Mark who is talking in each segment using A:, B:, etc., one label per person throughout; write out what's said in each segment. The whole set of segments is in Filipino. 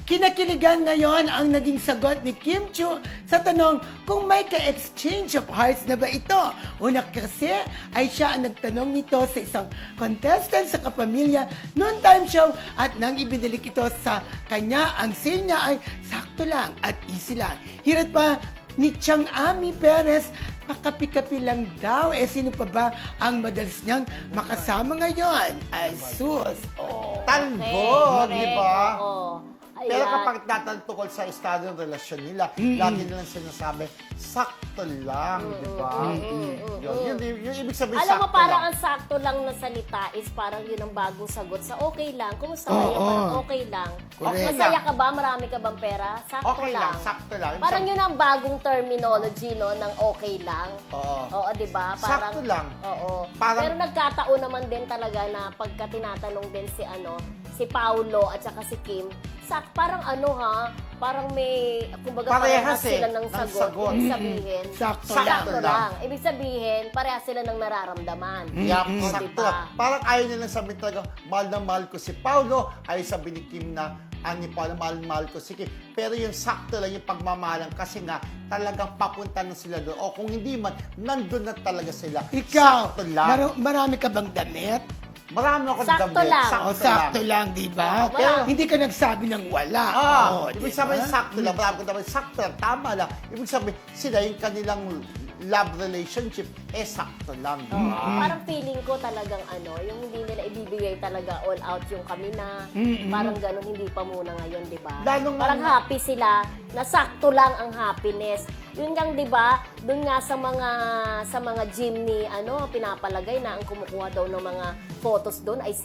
A: Kinakiligan ngayon ang naging sagot ni Kim Chiu sa tanong kung may ka-exchange of hearts na ba ito. Una kasi ay siya ang nagtanong nito sa isang contestant sa Kapamilya noon time show at nang ibinalik ito sa kanya, ang say niya ay sakto lang at easy lang. Hirat pa ni Chang Ami Perez, pakapi-kapi lang daw. Sino pa ba ang madalas niyang makasama ngayon? Ay, sus. Oh.
B: Talbo, di ba?
C: Oo.
B: Pero
C: Ayan.
B: kapag tatantukol sa estado ng relasyon nila, lagi nilang sinasabi, sakto lang, di ba? Yun ibig sabihin,
C: Alam mo,
B: sakto
C: parang
B: lang.
C: ang sakto lang na salita is parang yun ang bagong sagot sa okay lang. Kumusta kayo? Parang okay lang.
A: Correct.
C: Masaya ka ba? Marami ka bang pera? Sakto
B: Okay lang, sakto lang.
C: Parang yun ang bagong terminology, no, ng okay lang.
B: Oo.
C: Oo, di ba? Parang,
B: Sakto lang.
C: Oo.
B: Parang-
C: Pero nagkataon naman din talaga na pagka tinatanong din si Paulo at saka si Kim, parang parang may, kumbaga
B: Parehas
C: parehas sila
B: eh,
C: ng
B: ng
C: sagot.
B: sagot.
C: Ibig sabihin,
A: Sakto
C: sakto
B: lang.
C: lang. Ibig sabihin, parehas sila ng nararamdaman.
B: Yup,
C: O,
B: sakto
C: diba?
B: lang. Parang ayaw nilang sabihin talaga, mahal na mahal ko si Paulo, ayaw sabihin ni Kim na, ni Paulo, mahal na mahal ko si Kim. Pero yung sakto lang, yung pagmamahalan, kasi nga, talagang papunta na sila doon. O kung hindi man, nandun na talaga sila.
A: Ikaw,
B: Sakto lang.
A: marami ka bang damit?
B: Marami akong
C: Sakto
B: damit.
C: lang.
A: O sakto lang, di ba?
C: Oo, wala.
A: Hindi ka nagsabi ng wala. Oo,
B: Ibig
A: di
B: sabihin,
A: ba?
B: sakto lang. Marami akong damit. Sakto lang. Tama lang. Ibig sabihin, sila yung kanilang love relationship, sakto lang. Di ba?
C: Parang feeling ko talagang yung hindi nila ibibigay talaga all out yung kami na. Parang ganun, hindi pa muna ngayon, di ba?
B: Lalo nga
C: Parang happy sila, na sakto lang ang happiness. Yun lang, di ba? Doon nga sa mga gym ni pinapalagay na ang kumukuha daw ng mga photos doon ay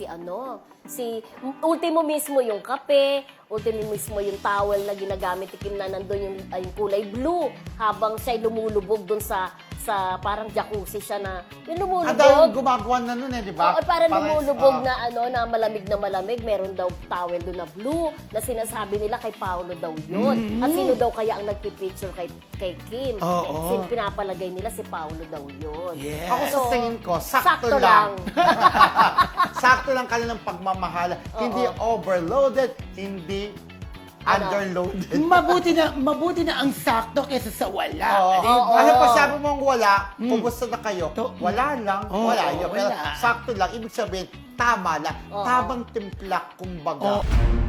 C: si ultimo mismo yung kape, ultimo mismo yung towel na ginagamit ni Kim na nandun yung kulay blue habang siya'y lumulubog doon sa parang jacuzzi siya na yung
B: Ang dahil
C: lumulubog.
B: gumagawa na nun di ba?
C: Oo, parang lumulubog
B: ah,
C: na malamig na malamig. Meron daw towel doon na blue na sinasabi nila kay Paolo daw yun. At sino daw kaya ang nagpipicture kay Kim?
A: Oo.
C: Pinapalagay nila si Paolo daw yun.
A: Yes.
B: Ako sa tingin ko, sakto
C: sakto
B: lang.
C: lang.
B: Sakto lang kanilang pagmamahala. Hindi overloaded, hindi underloaded.
A: Mabuti na ang sakto kaysa sa wala.
B: Oo.
A: Di ba?
B: Alam pa sabi mong wala, kumusta na kayo? Wala lang,
A: Oo,
B: wala yun. Pero
A: wala.
B: sakto lang, ibig sabihin, tama lang.
C: Oo.
B: Tamang timpla, kumbaga.
A: Oo.